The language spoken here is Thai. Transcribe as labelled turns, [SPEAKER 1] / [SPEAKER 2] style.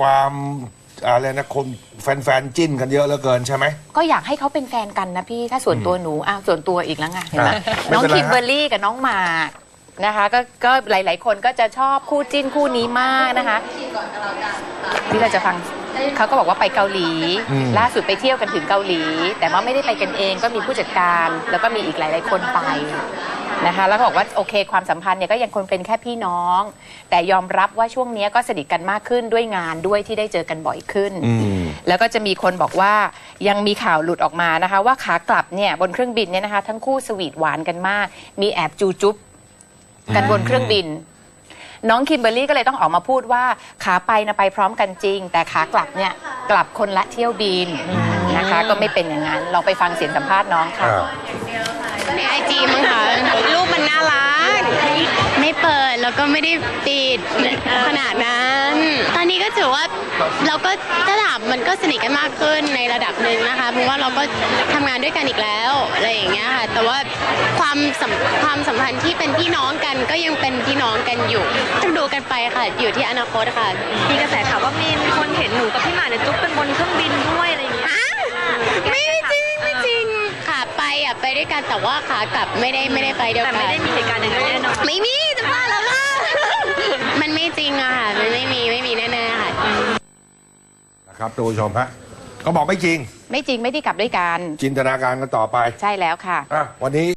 [SPEAKER 1] ความอะไรนะคนแฟนๆจิ้นกันเยอะเหลือเกินใช่ไหม
[SPEAKER 2] ก็อยากให้เขาเป็นแฟนกันนะพี่ถ้าส่วนตัวหนูส่วนตัวอีกแล้วไงเห็นไหมน้องคิมเบอร์รี่กับน้องหมากนะคะก็หลายๆคนก็จะชอบคู่จิ้นคู่นี้มากนะคะที่เราจะฟังเขาก็บอกว่าไปเกาหลีล่าสุดไปเที่ยวกันถึงเกาหลีแต่ว่าไม่ได้ไปกันเองก็มีผู้จัดการแล้วก็มีอีกหลายๆคนไปนะคะแล้วก็บอกว่าโอเคความสัมพันธ์เนี่ยก็ยังคงเป็นแค่พี่น้องแต่ยอมรับว่าช่วงนี้ก็สนิทกันมากขึ้นด้วยงานด้วยที่ได้เจอกันบ่อยขึ้นแล้วก็จะมีคนบอกว่ายังมีข่าวหลุดออกมานะคะว่าขากลับเนี่ยบนเครื่องบินเนี่ยนะคะทั้งคู่สวีทหวานกันมากมีแอบจูจุ๊บกันบนเครื่องบินน้องคิมเบอร์รี่ก็เลยต้องออกมาพูดว่าขาไปนะไปพร้อมกันจริงแต่ขากลับเนี่ยกลับคนละเที่ยวบินนะคะก็ไม่เป็นอย่างนั้นเราไปฟังเสียงสัมภาษณ์น้องค่ะ
[SPEAKER 3] ในไอจีมั้งคะรูปมันน่ารักไม่เปิดแล้วก็ไม่ได้ปิดขนาดนั้นตอนนี้ก็ถือว่าเราก็ถ้าถามมันก็สนิทกันมากขึ้นในระดับหนึ่งนะคะเพราะว่าเราก็ทำงานด้วยกันอีกแล้วอะไรอย่างเงี้ยค่ะแต่ว่าความสัมพันธ์ที่เป็นพี่น้องกันก็ยังเป็นพี่น้องกันอยู่ต้องดูกันไปค่ะอยู่ที่อนาคตค่ะ
[SPEAKER 4] มีกระแสข่าวว่ามีคนเห็นหนูกับพี่หมากเนี่ยจุ๊บกันบนเครื่องบินด้วยอะไรอย่างเงี้ย
[SPEAKER 3] ไม่จริงค่ะไปด้วยกันแต่ว่าขากลับไม่ได้ไปเดียวกัน
[SPEAKER 4] แต่ไม่ได้มีเหตุการณ์อย่างนั้นแน่นอน
[SPEAKER 3] ไม่มีจะบ้าแล้วล่ะมันไม่จริงอะค่ะมันไม่มีแน่ๆค่ะ
[SPEAKER 1] นะครับท่านผู้ชมฮะก็บอกไม่จริง
[SPEAKER 2] ไม่ได้กลับด้วยกัน
[SPEAKER 1] จินตนาการกันต่อไป
[SPEAKER 2] ใช่แล้วค่ะ
[SPEAKER 1] วันนี้